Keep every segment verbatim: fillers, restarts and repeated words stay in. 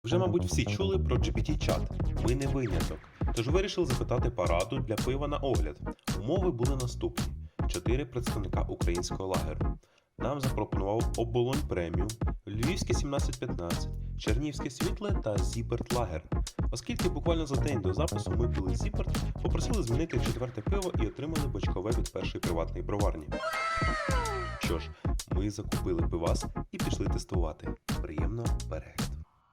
Вже, мабуть, всі чули про джі пі ті-чат. Ми не виняток. Тож вирішили запитати пораду для пива на огляд. Умови були наступні: чотири представника українського лагеру. Нам запропонував Оболонь Преміум, Львівське сімнадцять п'ятнадцять, Чернігівське Світле та Зіперт Лагер. Оскільки буквально за день до запису ми пили Зіперт, попросили змінити четверте пиво і отримали бочкове від першої приватної броварні. Що ж, ми закупили пивас і пішли тестувати. Приємного перегляду!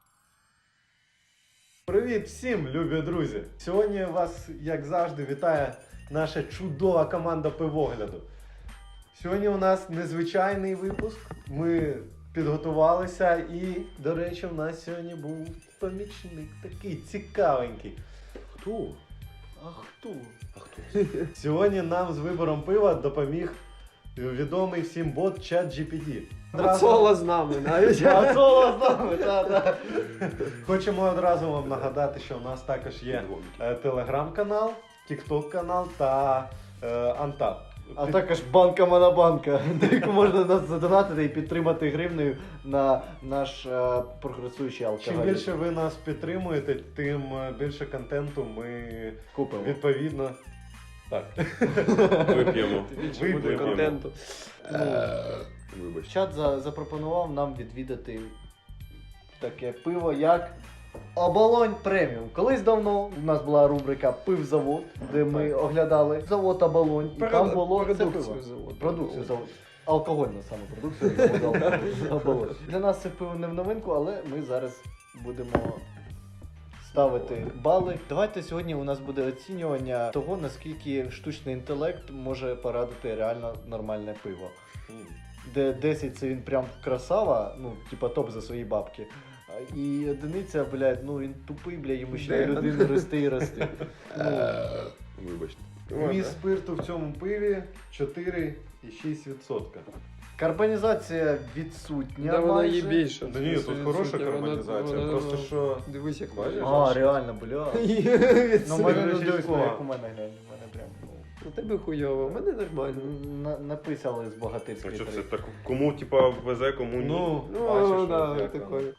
Привіт всім, любі друзі! Сьогодні вас, як завжди, вітає наша чудова команда пивогляду. Сьогодні у нас незвичайний випуск. Ми підготувалися і, до речі, у нас сьогодні був помічник такий цікавенький. Хто? А хто? А хто? Сьогодні нам з вибором пива допоміг відомий всім бот чат джі пі ті. Ацола з нами, навіть. Ацола з нами, так, так. Хочемо одразу вам нагадати, що у нас також є е, телеграм-канал, тікток-канал та е, Антап. А також банка Монобанка, де яку можна нас задонатити і підтримати гривнею на наш е, прогресуючий алкоголь. Чим більше ви нас підтримуєте, тим більше контенту ми купимо. відповідно. Так. Вип'ємо. Більше буде Вип'ємо. контенту. Вибач. Чат за, запропонував нам відвідати таке пиво, як Оболонь Преміум. Колись давно у нас була рубрика Пивзавод, де ми оглядали завод Оболонь. І там було це пиво. Продукцію заводу. Продукцію заводу. Алкогольну саме продукцію заводу Оболонь. Для нас це пиво не в новинку, але ми зараз будемо ставити бали. Давайте сьогодні у нас буде оцінювання того, наскільки штучний інтелект може порадити реально нормальне пиво. Де десять це він прям красава, ну, типа топ за свої бабки. А- І одиниця, блядь, ну він тупий, блядь, йому ще Де? людину рости і рости. Ну, Вибачте. Вміст спирту в цьому пиві чотири і шість відсотка. карбонізація відсутня. Да, вона майже. є більше. Да ні, тут хороша карбонізація, просто що... Дивись, як Бачиш? А, реально, бля. Ну, Відсутня. мене не Відсутня. дивись, як у мене глянь, у мене прям, ну, У тебе хуйово, у мене нормально. на- написали з А богатирської що це три. так? Кому, типа, везе, кому ні? Ну, Ну, бачиш, да, от як такое. воно.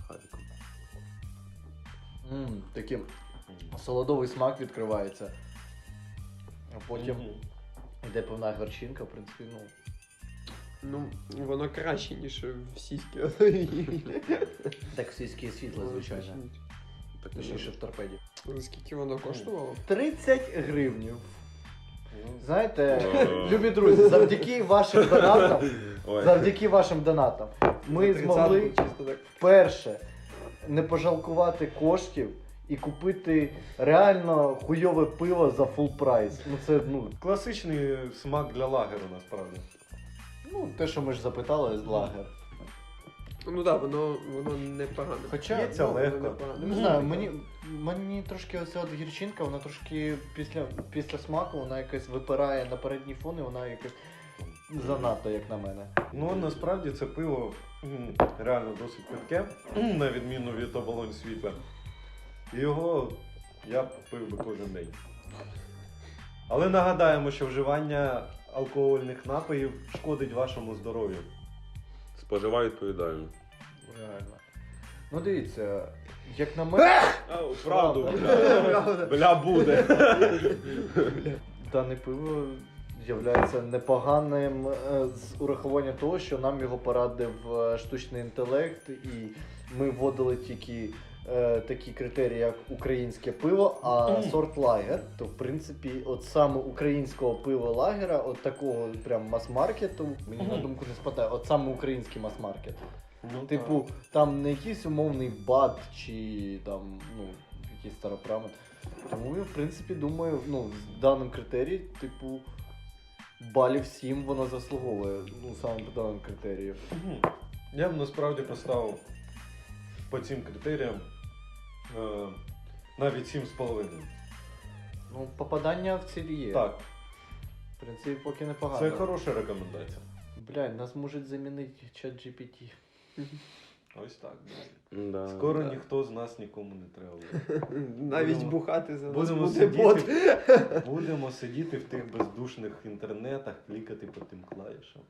М, Такий солодовий смак відкривається. А потім Мгм. йде певна горчинка, в принципі, ну. Ну, воно краще, ніж в сіськи. Так сільське світло, звичайно. Так, Точніше в торпеді. Скільки воно коштувало? тридцять гривнів. Ну, Знаєте, О. любі друзі, завдяки вашим донатам, Ой. завдяки вашим донатам, ми За змогли тридцятку чисто так. вперше не пожалкувати коштів і купити реально хуйове пиво за фул прайс. Ну це, ну, Класичний смак для лагеру, насправді. ну те, що ми ж запитали з лагер. Ну так, воно, воно непогано. Хоча, П'ється ну, легко. воно непогано. Не знаю, мені, мені трошки оця от гірчинка, вона трошки після, після смаку, вона якось випирає на передній фон і вона якось занадто, як на мене. Ну, насправді це пиво м, реально досить питке, на відміну від оболонь світла. І його я б пив би кожен день. Але нагадаємо, що вживання алкогольних напоїв шкодить вашому здоров'ю. Споживаю відповідально. Реально. Ну дивіться, як на мене, Правду, Правда. бля. Бля, буде. дане пиво є непоганим е, з урахуванням того, що нам його порадив е, штучний інтелект, і ми вводили тільки е, такі критерії, як українське пиво, а сорт лагер, то в принципі от саме українського пива лагера, от такого прям мас-маркету, мені на думку не спадає, от саме український мас-маркет. Ну, Типу, там не якийсь умовний бат чи там, ну, якийсь старопрамет. Тому я, в принципі, думаю, ну, з даним критерієм, типу, балів сім воно заслуговує, ну, саме по даним критеріям. Мгм. Я б насправді поставив по цим критеріям е, навіть сім з половиною. Ну, попадання в цілі є. Так, В принципі, поки непогано. це хороша рекомендація. Блядь, нас можуть замінити чат джі пі ті. Ось так. Да. Скоро Да. ніхто з нас нікому не треба буде. Навіть Будемо- бухати за нас Будемо буде сидіти, бот. будемо сидіти в тих бездушних інтернетах, клікати по тим клавішам.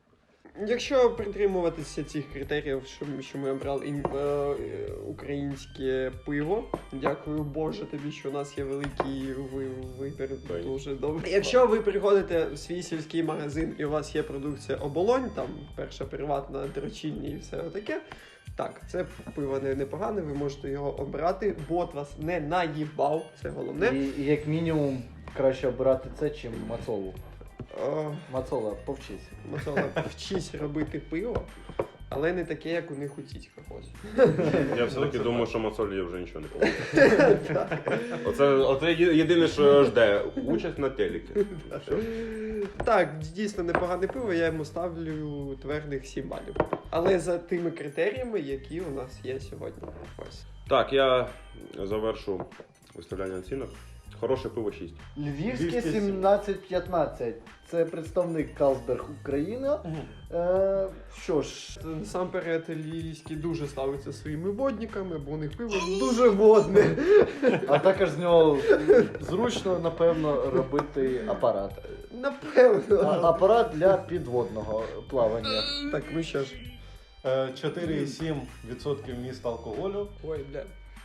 Якщо притримуватися цих критеріїв, що, ми- що ми обрали ін- е, е, українське пиво, дякую Боже тобі, що у нас є великий ви- вибір, Ой. дуже добре. Якщо ви приходите в свій сільський магазин і у вас є продукція оболонь, там перша приватна, дрочільня і все таке, так, це пиво не непогане, ви можете його обрати, бот вас не наїбав, це головне. І, і як мінімум краще обирати це, чим мацолу. О, Мацола, повчись. Мацола, вчись робити пиво, але не таке, як у них у тітьках ось. Я все-таки думаю, що Мацолі вже нічого не поможе. Оце, оце є- єдине, що жде. Участь на телекі. Все. Так, дійсно непогане пиво, я йому ставлю твердих сім балів. Але за тими критеріями, які у нас є сьогодні. Ось. Так, я завершу виставляння оцінок. Хороше пиво шість. Львівське Львівське сімнадцять п'ятнадцять. Це представник Калсберг Україна. Е, що ж, Насамперед, львівський дуже ставиться своїми водниками, бо у них пиво дуже водне. а також з нього зручно, напевно, робити апарат. А, Напевно. апарат для підводного плавання. Так, ну що ж. Е, чотири цілих сім десятих відсотка вміст алкоголю. Ой, бля.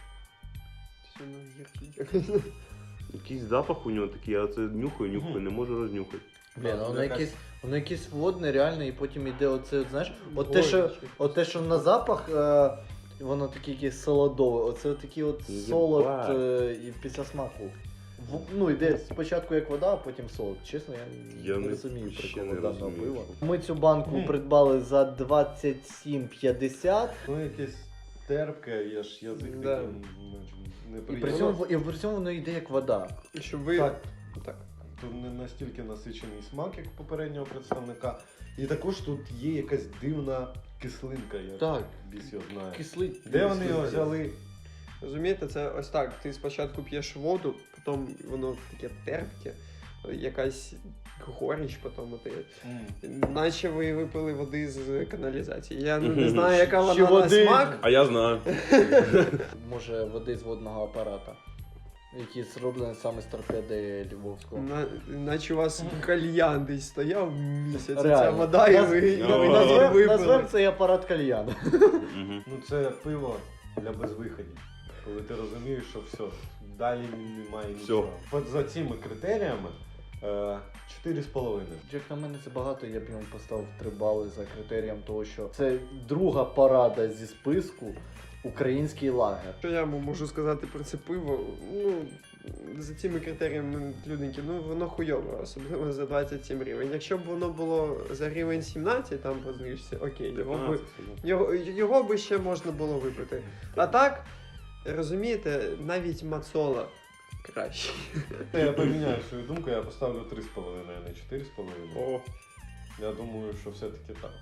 Все на гіркий. Якийсь запах у нього такий, я це нюхаю, нюхаю, не можу рознюхати. Блін, Да, воно якась- якесь, воно якесь водне, реально, і потім йде оце, от, знаєш, от те, що, от те, що на запах, е, воно таке якесь солодове, оце такий от Єбать. солод е, і після смаку. В, ну, йде спочатку як вода, а потім солод. Чесно, я, Я не не- розумію ще приколу не даного розумію, пива. що- Ми цю банку Мгм. придбали за двадцять сім п'ятдесят. Ну, якесь терпке, я ж язик Да. такий І при неприємний. цьому, і при цьому воно йде як вода. Щоб ви... Так. Так. Тут не настільки насичений смак, як у попереднього представника. І також тут є якась дивна кислинка, я Так. біс його знаю. Кислий. Де вони його взяли? Розумієте, це ось так. Ти спочатку п'єш воду, потім воно таке терпке, якась горіч, потім ти. Наче ви випили води з каналізації. Я не знаю, яка вона Ще на води. смак. А я знаю. Може, води з водного апарата, які зроблені саме з торпеди Львовського. На, наче у вас кальян десь стояв місяць, ця Реально. вода, і Наз- ви і Наз- ви Назвем- її Назвемо випили. назвем цей апарат кальян. Мгм. Ну це пиво для безвиходів. Коли ти розумієш, що все, далі немає Всьо. нічого. От за цими критеріями е, чотири з половиною. Як на мене це багато, я б йому поставив три бали за критерієм того, що це друга парада зі списку український лагер. Що я можу сказати про це пиво? Ну, за цими критеріями люденьки, ну воно хуйове, особливо за двадцять сім гривень. Якщо б воно було за гривень сімнадцять, там по знижці, окей, його би, його, його би ще можна було випити. А так, розумієте, навіть Мацола краще. Я поміняю свою думку, я поставлю три з половиною, а не чотири з половиною. О, Я думаю, що все-таки так.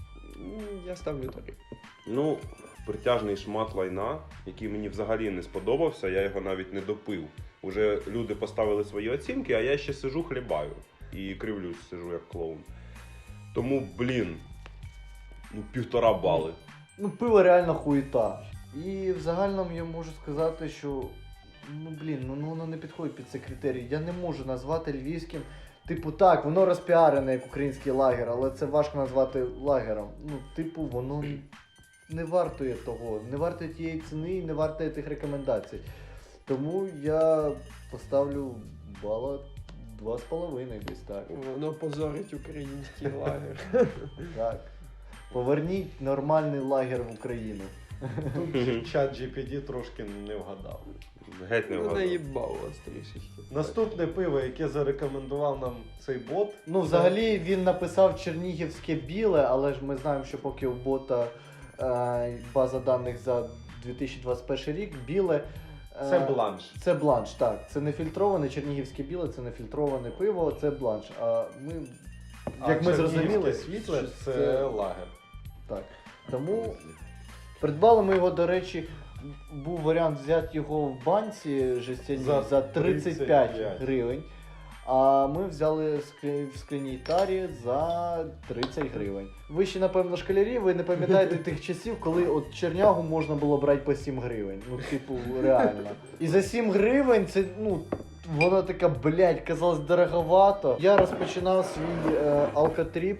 я ставлю три. Ну, притяжний шмат лайна, який мені взагалі не сподобався, я його навіть не допив. Уже люди поставили свої оцінки, а я ще сижу хлібаю. І кривлюсь, сижу як клоун. Тому, блін, ну півтора бали. Ну, пиво реально хуєта. І в загальному я можу сказати, що ну блін, ну, ну воно не підходить під цей критерій. Я не можу назвати львівським. Типу, так, воно розпіарене як український лагер, але це важко назвати лагером. Ну, типу, воно не вартує того, не вартує тієї ціни і не вартує тих рекомендацій. Тому я поставлю бала два з половиною десь так. Воно позорить український лагер. Так. Поверніть нормальний лагер в Україну. Тут чат джі пі ті трошки не вгадав. Геть не Ну, вгадав. наїбав вас трішечки. Наступне пиво, яке зарекомендував нам цей бот. Ну, взагалі він написав чернігівське біле, але ж ми знаємо, що поки у бота е, база даних за дві тисячі двадцять перший рік, біле. е, Це бланш. Це бланш, так. Це не фільтроване чернігівське біле, це не фільтроване пиво, це бланш. А ми, А як ми чернігівське зрозуміли, світле що це лагер. Так. Тому придбали ми його, до речі, був варіант взяти його в банці жестяній За за тридцять п'ять тридцять п'ять гривень. А ми взяли склі- в скляній тарі за тридцять гривень. Ви ще, напевно, школярі, ви не пам'ятаєте тих часів, коли от чернягу можна було брати по сім гривень. Ну, типу, реально. І за сім гривень це, ну, вона така, блядь, казалось, дороговато. Я розпочинав свій е, алкотріп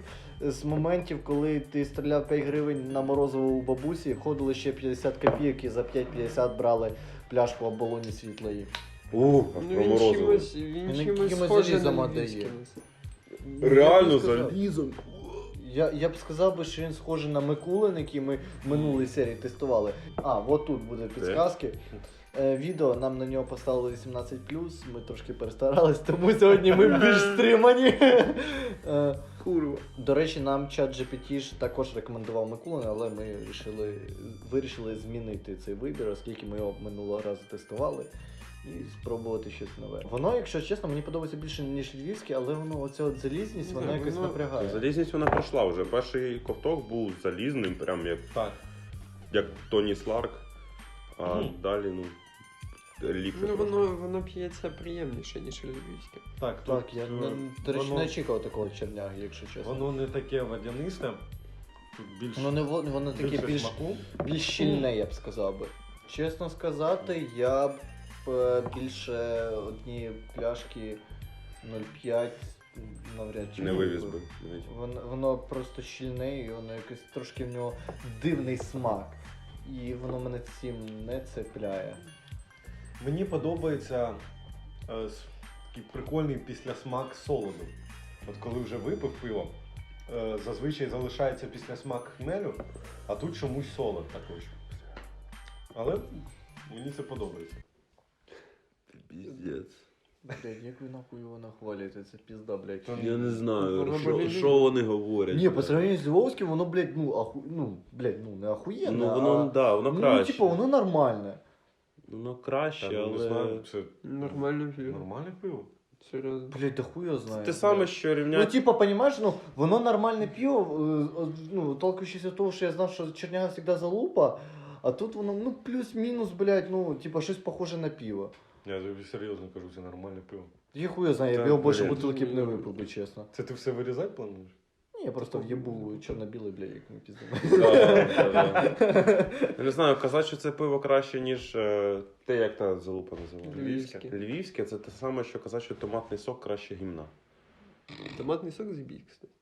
з моментів, коли ти стріляв п'ять гривень на морозиво у бабусі, входили ще п'ятдесят копійок і за п'ять п'ятдесят брали пляшку оболоні світлої. Ух, Ну, про він морозиво. чимось, він Він чимось якимось схожий на залізом львівське. віддає. Реально Я б сказав- залізом. Я, я б сказав би, що він схожий на Микулин, який ми в минулій серії тестували. А, от тут буде підсказки. Е, відео нам на нього поставили вісімнадцять плюс, ми трошки перестарались, тому сьогодні ми більш стримані. Е, Курва. До речі, нам чат джі пі ті ж також рекомендував Микулин, але ми вирішили, вирішили змінити цей вибір, оскільки ми його минулого разу тестували. І спробувати щось нове. Воно, якщо чесно, мені подобається більше, ніж львівське, але воно, оця от залізність, Не вона знаю, якось воно- напрягає. Залізність вона пройшла вже. Перший ковток був залізним, прям як, Так. як Тоні Сларк. А Мгм. далі, ну, ліпше. Ну, трошки. воно, воно п'ється приємніше, ніж львівське. Так, Так, тут, я е, не, до речі, воно, не очікував такого черняги, якщо чесно. воно не таке водянисте, тут більш, Воно, не, во- воно таке більше більш, смаку. більш щільне, я б сказав би. Чесно сказати, я б е, більше однієї пляшки нуль п'ять навряд чи Не випив. вивіз би. навіть. Воно, воно просто щільне і воно якось трошки в нього дивний смак. І воно мене цим не цепляє. Мені подобається е, с- такий прикольний післясмак солоду. От коли вже випив пиво, е, зазвичай залишається післясмак хмелю, а тут чомусь солод також. Але мені це подобається. Піздець. Блядь, як ви нахуй його нахвалюєте, це пізда, блядь. Та Я не знаю, Воно що, болі- що вони говорять. Ні, по сравнению з Львовським, воно, блядь, ну, аху... ну, блядь, ну, не ахуєнне, Ну воно, а... да, воно ну, краще. типу, воно нормальне. Воно Та, краще, ну, не але... знаю, це Нормально п'ю. нормальне пиво. Серйозно. Блядь, да хуй його Це знає. те саме, блядь. що Ну, рівняти... типа, понимаешь, ну, воно нормальне пиво, е, е, ну, толкаючись від того, що я знав, що черняга завжди залупа, а тут воно, ну, плюс-мінус, блядь, ну, типа, щось похоже на пиво. Я тобі серйозно кажу, це нормальне пиво. Я хуй його знаю, я б Та, його більше блядь. бутилки б не випив би, чесно. Це ти все вирізати плануєш? Ні, я просто в'єбу чорно-білий, блядь, як ми піздимо. Да, да, да. Я не знаю, казати, що це пиво краще, ніж е, те, як та залупа називається. Львівське. Львівське це те саме, що казати, що томатний сок краще гімна. Томатний сок зіб'є, кстати.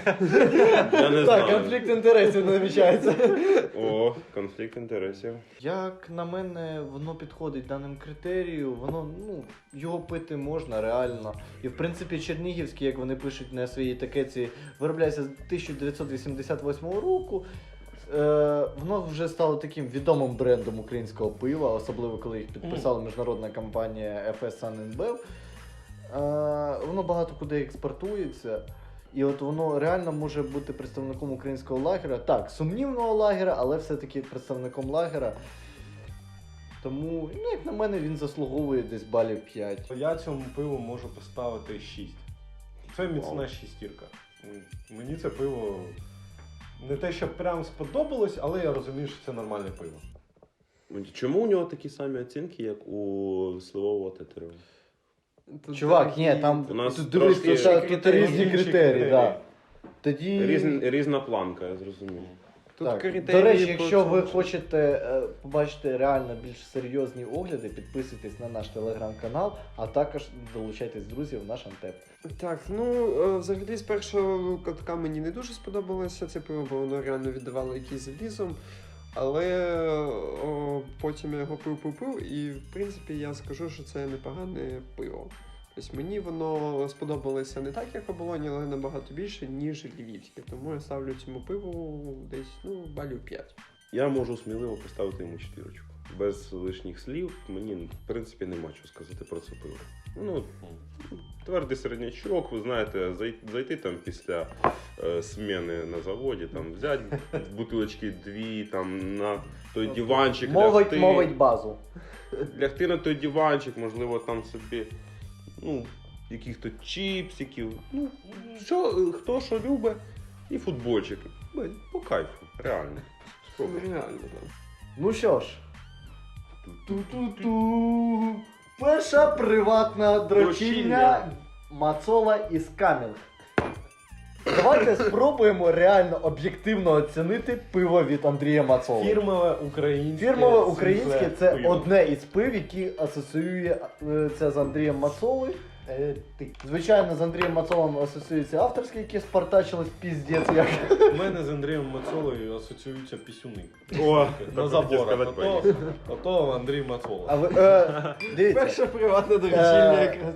Я не Так, знаю. конфлікт інтересів намічається. О, конфлікт інтересів. Як на мене, воно підходить даним критерію, воно, ну, його пити можна реально. І в принципі Чернігівський, як вони пишуть на своїй етикетці, виробляється з тисяча дев'ятсот вісімдесят восьмого року. Е, воно вже стало таким відомим брендом українського пива, особливо коли їх підписала міжнародна компанія еф ес Sun енд Bev. Е, воно багато куди експортується. І от воно реально може бути представником українського лагера. Так, сумнівного лагера, але все-таки представником лагера. Тому, ну, як на мене, він заслуговує десь балів п'ять. Я цьому пиву можу поставити шість. Це міцна Вау. шістірка. М, Мені це пиво не те, що прям сподобалось, але я розумію, що це нормальне пиво. Чому у нього такі самі оцінки, як у сливового тетерева? Тут Чувак, дорогі- ні, там У нас тут, дивись, трошки тут, тут, критерії, різні інші критерії, критерії. да. Тоді. Різн, різна планка, я зрозумів. Тут Так. критерії До речі, по якщо ви цьому. хочете е, побачити реально більш серйозні огляди, підписуйтесь на наш телеграм-канал, а також долучайтесь друзів в наш антеп. Так, ну е, взагалі з першого катка мені не дуже сподобалося це пиво, бо воно реально віддавало якийсь залізом. Але о, потім я його пив-пив-пив, і в принципі я скажу, що це непогане пиво. Тобто мені воно сподобалося не так, як оболоні, але набагато більше, ніж львівське. Тому я ставлю цьому пиву десь ну, балів п'ять. Я можу сміливо поставити йому четвірочку. Без лишніх слів, мені, в принципі, нема чого сказати про це пиво. Ну, твердий середнячок, ви знаєте, зай- зайти там після е, сміни на заводі, там, взяти бутилочки дві, там, на той диванчик Мовить, лягти. мовить базу. Лягти на той диванчик, можливо, там собі, ну, яких-то чіпсиків, ну, що, е, хто що любить, і футбольчик. Блін, по кайфу, реально. Ну, Спробуй. реально, так. Ну що ж. Ту-ту-ту. Перша приватна дрочільня Дрочільня. Мацола із Кам'янг. Давайте спробуємо реально об'єктивно оцінити пиво від Андрія Мацоли. Фірмове українське. Фірмове українське світле це пиво. одне із пив, які асоціює е, це з Андрієм Мацолою. Е, ти. Звичайно, з Андрієм Мацолом асоціюється авторський, які спартачились піздець як. У мене з Андрієм Мацолою асоціюються пісюни. О, На заборах. Ото, ото Андрій Мацола. А ви, е, дивіться. Перша приватна доручільня Е, якраз.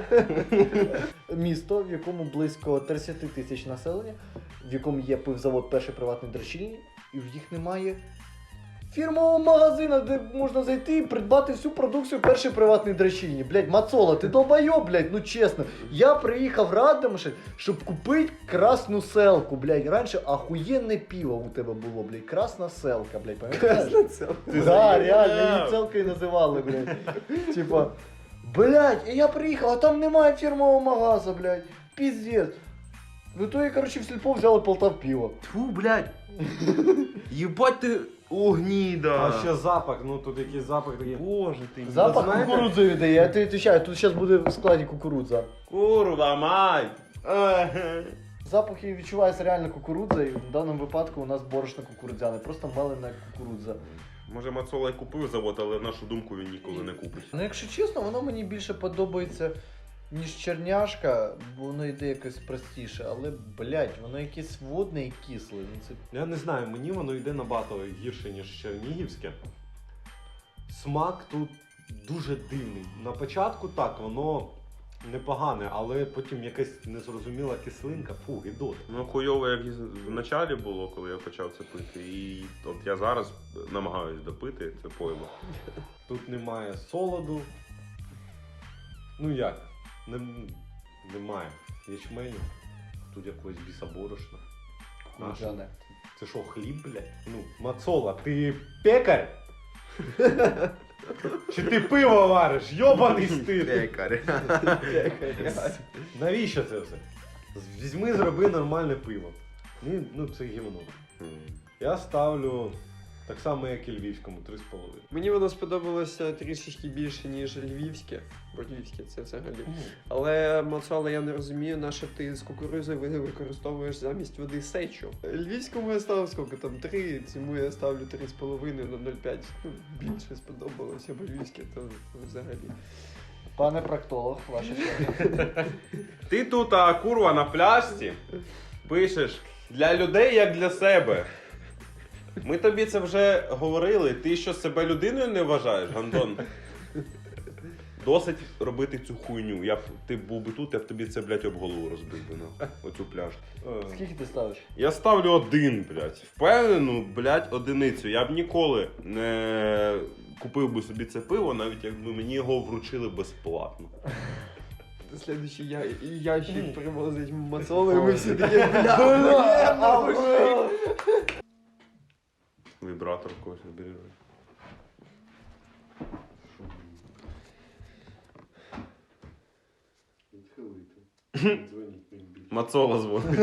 Місто, в якому близько тридцять тисяч населення, в якому є пивзавод перший приватний дрочильні, і в їх немає фірмового магазину, де можна зайти і придбати всю продукцію перший приватний дрочильні. Блять, Мацола, ти долбайоб, блять, ну чесно. Я приїхав в Радомишль, щоб купити красну селку, блять. Раніше ахуєнне пиво у тебе було, блять. Красна селка, блять, пам'ятаєш? Да, реально, її селкою називали, блять. Типа, блять, і я приїхав, а там немає фірмового магазу, блять. Піздець. Ну то я, короче, в сільпо взяли Полтав пиво. Тьфу, блядь. Єбать ти огніда. А ще запах, ну тут якийсь запах такий. Боже ти. Запах знаєте- кукурудзи віддає, я тобі відповідаю, тут зараз буде в складі кукурудза. Курва, мать. Еге. Запах її відчувається реально кукурудза, і в даному випадку у нас борошно кукурудзяне, просто мелена кукурудза. Може Мацола й купив завод, але нашу думку він ніколи не купить. Ну якщо чесно, воно мені більше подобається, ніж черняшка, бо воно йде якось простіше, але, блядь, воно якесь водне і кисле. Ну, це... Я не знаю, мені воно йде набагато гірше, ніж чернігівське. Смак тут дуже дивний. На початку так, воно непогане, але потім якась незрозуміла кислинка. Фу, гидот. Ну хуйово, як і в началі було, коли я почав це пити. І от я зараз намагаюсь допити це пойло. Тут немає солоду. Ну як? Нем- Немає ячменю. Тут якогось бісоборошна. Кукурудзяне. Це що, хліб, блядь? Ну, Мацола, ти пекар? Чи ти пиво вариш? Йобаний стиль! Пекар. Навіщо це все? Візьми, зроби нормальне пиво. Ну, ну це гівно. Я ставлю так само, як і львівському, три з половиною. Мені воно сподобалося трішечки більше, ніж львівське. Бо львівське це взагалі. Але Мацола, я не розумію, на що ти з кукурузою ви- використовуєш замість води сечу. Львівському я ставив скільки там три, цьому я ставлю три з половиною на нуль п'ять. Ну, більше сподобалося, бо львівське то взагалі. Пане проктолог, ваше слово. Ти тут, а, курва, на пляшці пишеш для людей, як для себе. Ми тобі це вже говорили. Ти що себе людиною не вважаєш, Гандон? Досить робити цю хуйню. Я б, ти був би тут, я б тобі це, блядь, об голову розбив би, нахуй, оцю пляшку. Е, Скільки ти ставиш? Я ставлю один, блядь. Впевнену, блядь, одиницю. Я б ніколи не купив би собі це пиво, навіть якби мені його вручили безплатно. Слідуючий я, і ящик привозить Мацола, і ми всі такі, бля, Вібратор когось набережи. Дзвоніть мені більше. Мацола дзвонить.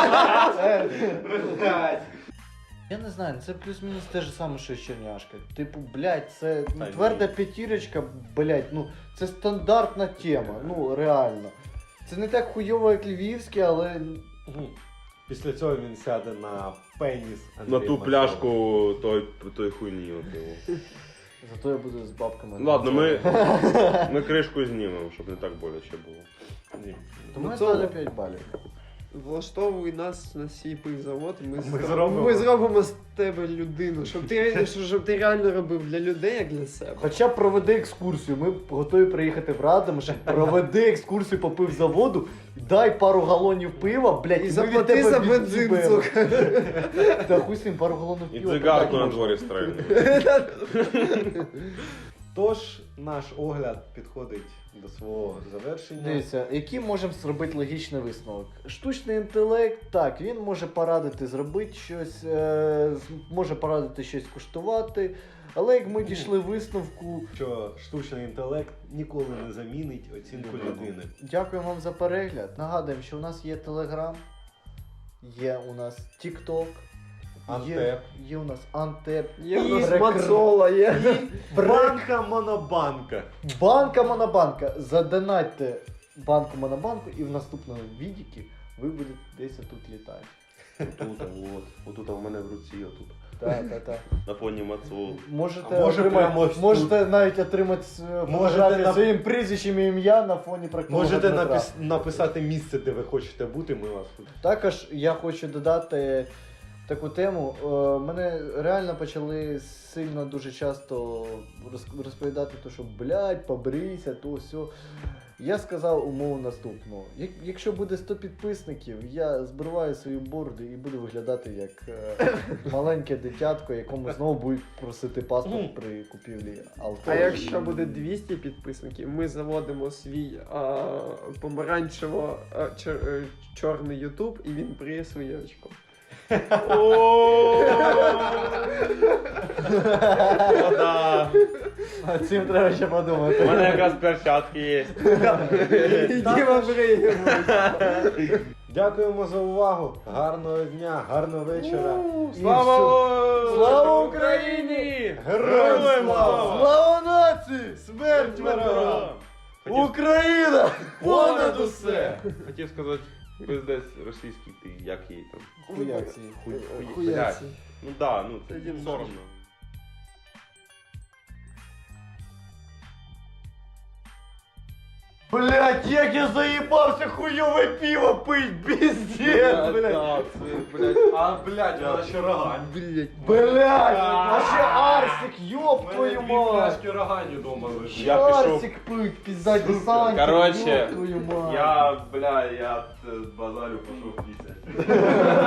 Я не знаю, це плюс-мінус те ж саме, що і черняшка. Типу, блядь, це ну, Та ні. тверда п'ятірочка, блядь, ну це стандартна тема, ну реально. Це не так хуйово, як львівське, але Мгм. Після цього він сяде на пеніс. На Андрія ту Мацола. пляшку той, той хуйні. От його. зато я буду з бабками. Ладно, ми, ми кришку знімемо, щоб не так боляче було. Ні. Тому я Мацола. ставлю п'ять балів. Влаштовуй нас на свій пивзавод, і ми, Ми зро- зробимо. ми зробимо з тебе людину, щоб ти, щоб ти реально робив для людей, як для себе. Хоча б проведи екскурсію, ми готові приїхати в Радомишль, проведи екскурсію по пивзаводу, дай пару галонів пива, блядь, І ми від заплати тебе за бензин, від'їбемо. сука. Та хуй з ним пару галонів І пива. цигарку продати на можна. дворі стрельнути. Тож наш огляд підходить до свого завершення. Дивіться, який можемо зробити логічний висновок? Штучний інтелект, так, він може порадити зробити щось, е, з- може порадити щось куштувати, але як ми дійшли висновку, Що штучний інтелект ніколи не замінить оцінку людини. дякуємо вам за перегляд. Нагадуємо, що у нас є Telegram, є у нас TikTok, є, Антеп. є у нас Антеп, Є в і нас рекр- Мацола, є. Банка монобанка. банка Монобанка. Задонатьте банку Монобанку і в наступному відікі ви будете десь тут літати. Отут, от, отут в мене в руці, отут. Так, так, так. на фоні Мацул. Можете, А може отримати, прямо ось тут? можете навіть отримати е, Можете фотографію нап- своїм прізвищем і ім'я на фоні проктолога Можете Дмитра. напис- написати місце, де ви хочете бути, ми вас тут. Також я хочу додати таку тему. Е, Мене реально почали сильно дуже часто роз- розповідати, то, що блядь, побрийся, то все. Я сказав умову наступну. Як- Якщо буде сто підписників, я збриваю свою бороду і буду виглядати як е, маленьке дитятко, якому знову будуть просити паспорт при купівлі алкоголю. А якщо буде двісті підписників, ми заводимо свій а, помаранчево а, чор- е, чорний ютуб і він бриє своє очко. Да. А цим треба ще подумати. У мене якраз перчатки є. Діма бриє. Дякуємо за увагу. Гарного дня, гарного вечора. І Слава! всю- Слава Україні! Героям слава! Слава нації! Смерть ворогам! Україна! Понад усе! Хотів сказати, пиздець російський ти, як її там. Хуяці. Хуй, хуй, Хуяці. блядь. Ну да, ну це Тоді соромно. Блять, як я заїбався хуйове пиво пить, пиздец, блять. А, блядь, вона ще рогань. Блять. Блять, а ще Арсик, ёб твою мать. рогані дома лежить. Я пішов. Арсик пить, пизда десантик, Короче, ёб твою мать. Я, бля, я е, базарю пішов пісять.